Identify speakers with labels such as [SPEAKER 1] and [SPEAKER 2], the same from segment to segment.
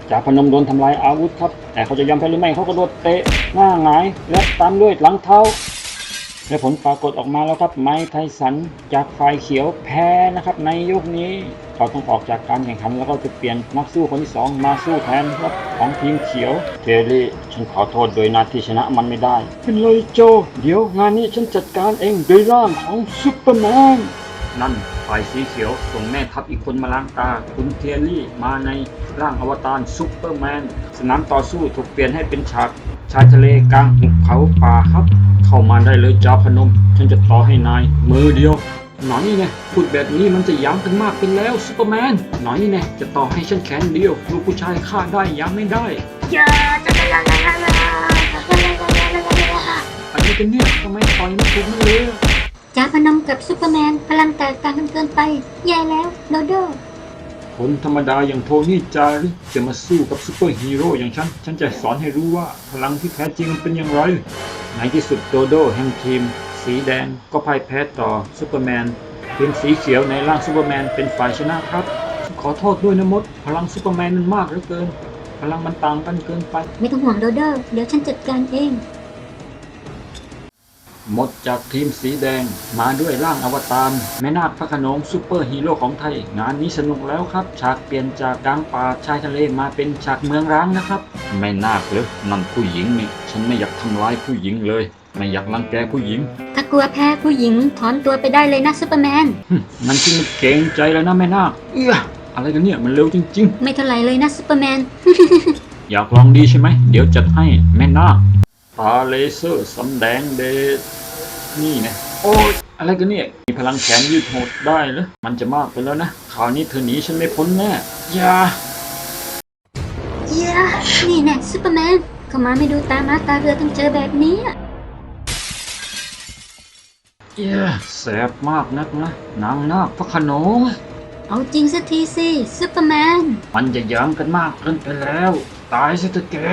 [SPEAKER 1] จ่าพนมโดนทำลายอาวุธครับแต่เขาจะยอมแพ้หรือไม่เขาก็โดนเตะหน้าหงายและตามด้วยหลังเท้าและผลปรากฏออกมาแล้วครับไมค์ไทสันจากฝ่ายเขียวแพ้นะครับในยกนี้เขาต้องออกจากการแข่งขันแล้วก็จะเปลี่ยนนักสู้คนที่2มาสู้แทนครับของทีมเขียวเทรี่ฉันขอโทษโดยนาที่ชนะมันไม่ได้เป็นเลยโจเดี๋ยวงานนี้ฉันจัดการเองโดยร่างของซุปเปอร์แมนนั่นฝ่ายสีเขียวส่งแม่ทัพอีกคนมาล้างตาคุณเทรี่มาในร่างอวตารซุปเปอร์แมนสนามต่อสู้ถูกเปลี่ยนให้เป็นฉากชายทะเลกลางหุบเขาป่าครับเข้ามาได้เลยจ่าพนมฉันจะต่อให้นายมือเดียวหน่อยไงพูดแบบนี้มันจะย้ำกันมากเป็นแล้วซุปเปอร์แมนหน่อยไงจะต่อให้ฉันแขนเดียวลูกผู้ชายฆ่าได้ย้ำไม่ได้อะไรกันเนี่ยทำไมต่อยไม่ถูกมันเลย
[SPEAKER 2] จ่าพนมกับซูเปอร์แมนพลังแตกต่างกันเกินไปแย่แล้วโดโด
[SPEAKER 1] คนธรรมดาอย่างโทนี่จาริจะมาสู้กับซูเปอร์ฮีโร่อย่างฉันจะสอนให้รู้ว่าพลังที่แท้จริงมันเป็นอย่างไรในที่สุดโดโดแห่งทีมสีแดงก็พ่ายแพ้ต่อซูเปอร์แมนทีมสีเขียวในร่างซูเปอร์แมนเป็นฝ่ายชนะครับขอโทษด้วยนะมดพลังซูเปอร์แมนมันมากเหลือเกินพลังมันต่างกันเกินไป
[SPEAKER 2] ไม่ต้องห่วงโดโดเดี๋ยวฉันจัดการเอง
[SPEAKER 1] หมดจากทีมสีแดงมาด้วยร่างอวตารแม่นาคพระโขนงซูเปอร์ฮีโร่ของไทยงานนี้สนุกแล้วครับฉากเปลี่ยนจากกลางป่าชายทะเลมาเป็นฉากเมืองร้างนะครับแม่นาคเหรอนั่นผู้หญิงนี่ฉันไม่อยากทำร้ายผู้หญิงเลยไม่อยากรังแกผู้หญิง
[SPEAKER 2] ถ้ากลัวแพ้ผู้หญิงถอนตัวไปได้เลยนะซูเปอร์แมน
[SPEAKER 1] นั่นที่มันเก่งใจแล้วนะแม่นาคอะไรกันเนี่ยมันเร็วจริง
[SPEAKER 2] ๆไม่เท่าไหร่เลยนะซูเปอร์แมน
[SPEAKER 1] อยากลองดีใช่ไหมเดี๋ยวจัดให้แม่นาคตาเลเซอร์สำแดงเดชนี่ไงโอ้ยอะไรกันเนี่ยมีพลังแขนยืดโหดได้เหรอมันจะมากไปแล้วนะคราวนี้เธอหนีฉันไม่พ้นแน่อย่า
[SPEAKER 2] นี่แน่ซูเปอร์แมนเข้ามาไม่ดูตามาตาเรือต้องเจอแบบนี้
[SPEAKER 1] แสบมากนักนะนางนาคพระโขนง
[SPEAKER 2] เอาจริงสักทีสิซูเปอร์แมน
[SPEAKER 1] มันจะย้ำกันมากเกินไปแล้วตายซะเถอะแก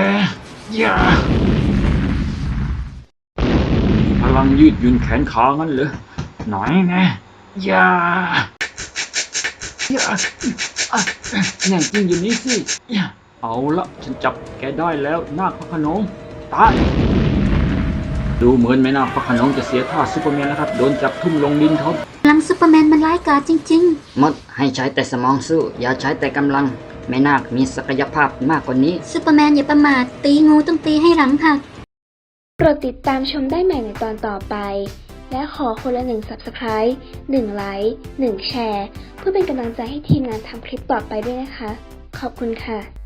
[SPEAKER 1] พลังยืดหยุ่นแขนขางั้นเหรอหน่อยไงแน่จริงอยู่นี้สิเอาละฉันจับแกได้แล้วนาคพระโขนงตายดูเหมือนแม่นาคพระโขนงจะเสียท่าซูเปอร์แมนแล้วครับโดนจับทุ่มลงดินครับ
[SPEAKER 2] พลังซูเปอร์แมนมันร้ายกาจจริง
[SPEAKER 3] ๆมดให้ใช้แต่สมองสู้อย่าใช้แต่กำลังแม่นาคมีศักยภาพมากกว่านี้
[SPEAKER 2] ซูเปอร์แมนอย่าประมาทตีงูต้องตีให้หลังหัก
[SPEAKER 4] โปรดติดตามชมได้ใหม่ในตอนต่อไปและขอคนละ1 Subscribe 1 ไลค์ 1 แชร์เพื่อเป็นกำลังใจให้ทีมงานทำคลิปต่อไปด้วยนะคะขอบคุณค่ะ